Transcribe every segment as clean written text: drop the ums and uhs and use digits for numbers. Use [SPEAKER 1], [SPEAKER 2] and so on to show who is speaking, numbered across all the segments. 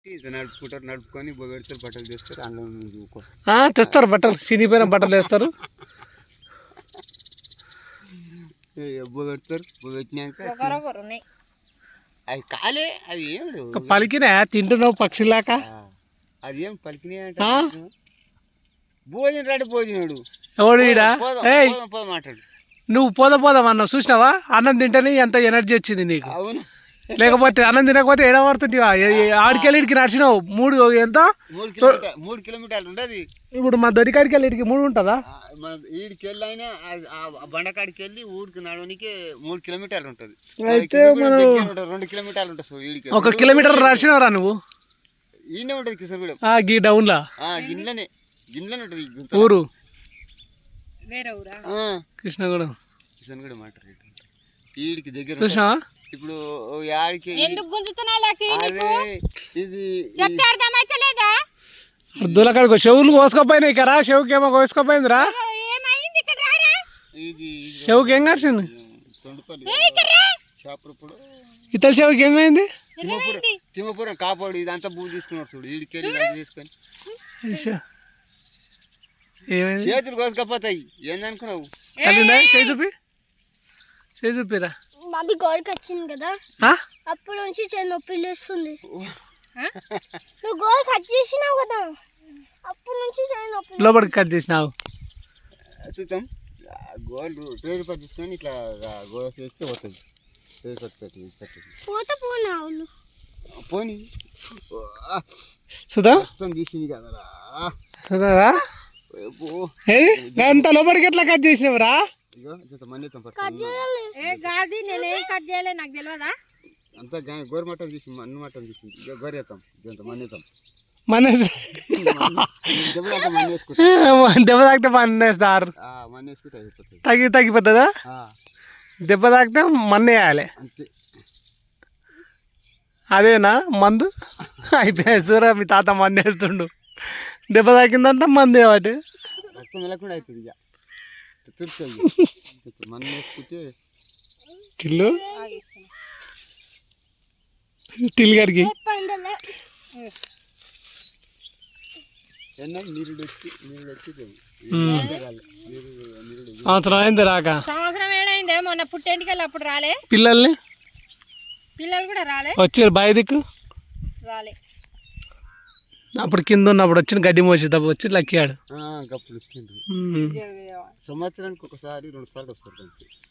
[SPEAKER 1] నడుపుకుంటారు, నడుపుకొని పెడతారు, బట్టలు తెస్తారు, అందులో
[SPEAKER 2] తెస్తారు బట్టలు, చినిపోయిన బట్టలు వేస్తారు,
[SPEAKER 1] పెడతారు. పెట్టినాక అవి కాలే, అవి ఏం
[SPEAKER 2] పలికినా తింటున్నావు పక్షిలాక.
[SPEAKER 1] అది ఏం పలికినాయి అంటే భోజనం రాడు, భోజనాడు
[SPEAKER 2] ఎవడు ఈడ
[SPEAKER 1] మాట్లాడు.
[SPEAKER 2] నువ్వు పోదామన్నావు చూసినావా? అన్నం తింటేనే ఎంత ఎనర్జీ వచ్చింది నీకు.
[SPEAKER 1] అవును,
[SPEAKER 2] లేకపోతే అన్నం తినకపోతే ఎడబడుతుంటివా? ఆడికెళ్ళి ఇడికి నడిచినావు
[SPEAKER 1] 3 కిలోమీటర్లు ఉండదు.
[SPEAKER 2] ఇప్పుడు మా దొరికాడికి వెళ్ళి ఇడికి 3 ఉంటుందా?
[SPEAKER 1] ఈడికి వెళ్ళి అయినా బండకాడికి వెళ్ళి ఊరికి నడవనికి 3 కిలోమీటర్లు ఉంటుంది.
[SPEAKER 2] అయితే మనం
[SPEAKER 1] 2 కిలోమీటర్లు ఉంటుంది. ఈడికి
[SPEAKER 2] 1 కిలోమీటర్ నడిచినవరా నువ్వు?
[SPEAKER 1] ఈయనే ఉంటుంది కిషన్గూడెం.
[SPEAKER 2] గీ డౌన్లా
[SPEAKER 1] గిన్నెలనే ఉంటుంది
[SPEAKER 2] ఊరు,
[SPEAKER 1] కృష్ణగూడెం మాట. ఈడికి దగ్గర
[SPEAKER 2] చూసినావా?
[SPEAKER 1] ఇప్పుడు యాడికి
[SPEAKER 2] దూలకాడికి చెవులు కోసుకోపోయినాయి కదా, చెవుకి ఏమో కోసుకోపోయిందిరా. చెవుకి ఏం కాసింది? ఇతల చెవుకి ఏమైంది?
[SPEAKER 1] తిమ్మపురం కాపాడు ఇదంతా భూమి తీసుకున్నాడు చూడు, ఈడికి తీసుకొని చేతులు కోసుకపోతాయి. ఏందనుకున్నావు?
[SPEAKER 2] చేయి చూపి, చేయి చూపిరా.
[SPEAKER 3] మమ్మీ గోల్కి వచ్చింది కదా, అప్పటి నుంచి నొప్పి లేస్తుంది. నువ్వు గోల్ కట్ చేసినావు కదా, అప్పటి నుంచి నొప్పి.
[SPEAKER 2] లోపలికి కట్ చేసినావు.
[SPEAKER 1] చూద్దాం, గోల్ రూపాయలు తీసుకొని ఇట్లా గోల్ చేస్తే పోతుంది.
[SPEAKER 3] పోతే పోనా
[SPEAKER 1] పోనీ
[SPEAKER 2] సుధా
[SPEAKER 1] తీసింది కదరా.
[SPEAKER 2] సుధారా అంత లోపలికి ఎట్లా కట్ చేసినవరా?
[SPEAKER 3] నేనేం కట్ చేయలే, నాకు తెలియదా?
[SPEAKER 1] అంతా గోరు మటన్ తీసి మన్ను మటన్ తీసింది. ఇక గోరేతాం దీంతో మన్నేతాం,
[SPEAKER 2] దెబ్బ తాకితే మన్నేస్తారు.
[SPEAKER 1] మన్నేసుకుంటే
[SPEAKER 2] తగ్గిపోతుందా? దెబ్బ తాకితే మన్నేయాలి
[SPEAKER 1] అంతే.
[SPEAKER 2] అదేనా మందు? అయిపోయాయి చూరా, మీ తాత మందు వేస్తుండు. దెబ్బ తాకిందంతా మందు ఏవాటి
[SPEAKER 1] రక్తం వెళ్ళకుండా అవుతుంది. ఇక తుర్చు మన్ను వేసుకుంటే
[SPEAKER 2] టిల్లు టిల్ గారికి సంవత్సరం అయింది రాక.
[SPEAKER 3] సంవత్సరం ఏడైందే, మొన్న పుట్టేంటికెళ్ళి అప్పుడు రాలే.
[SPEAKER 2] పిల్లలు
[SPEAKER 3] కూడా రాలే,
[SPEAKER 2] వచ్చారు బాయి దిక్కు
[SPEAKER 3] రాలే.
[SPEAKER 2] అప్పుడు కింద ఉన్నప్పుడు వచ్చిన గడ్డి మోసి దెబ్బ వచ్చి లక్కాడు.
[SPEAKER 1] గప్పుడు వచ్చిండ్రు. సంవత్సరానికి ఒకసారి 2 సార్లు వస్తారు.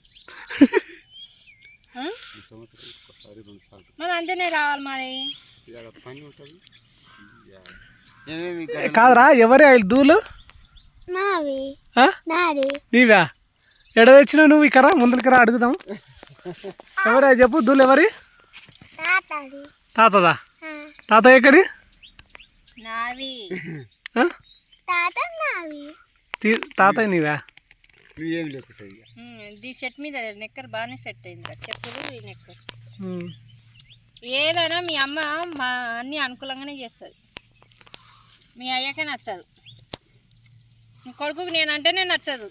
[SPEAKER 1] సంవత్సరానికి ఒకసారి 2 సార్లు
[SPEAKER 3] మరి అంతేనే రావాలి. మరి
[SPEAKER 1] పని ఉంటుంది.
[SPEAKER 2] కాదురా, ఎవరే దూలు? నీవా? ఎడ తెచ్చినావు నువ్వు? ఇక్కడ ముందరికి రా, అడుగుదాం. ఎవరే చెప్పు, దూలు ఎవరి? తాతదా? తాత ఎక్కడి? తాత నీవా?
[SPEAKER 3] సెట్ మీద నెక్కర్ బాగానే సెట్ అయింది, చెప్పులు ఈ నెక్కర్. ఏదైనా మీ అమ్మ మా అన్ని అనుకూలంగానే చేస్తుంది, మీ అయ్యాకే నచ్చదు. నీ కొడుకుకి నేనంటేనే నచ్చదు.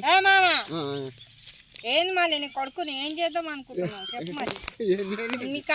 [SPEAKER 3] ఏంది మళ్ళీ నీ కొడుకుని ఏం చేద్దాం అనుకుంటున్నావు చెప్పు. మరి నీకు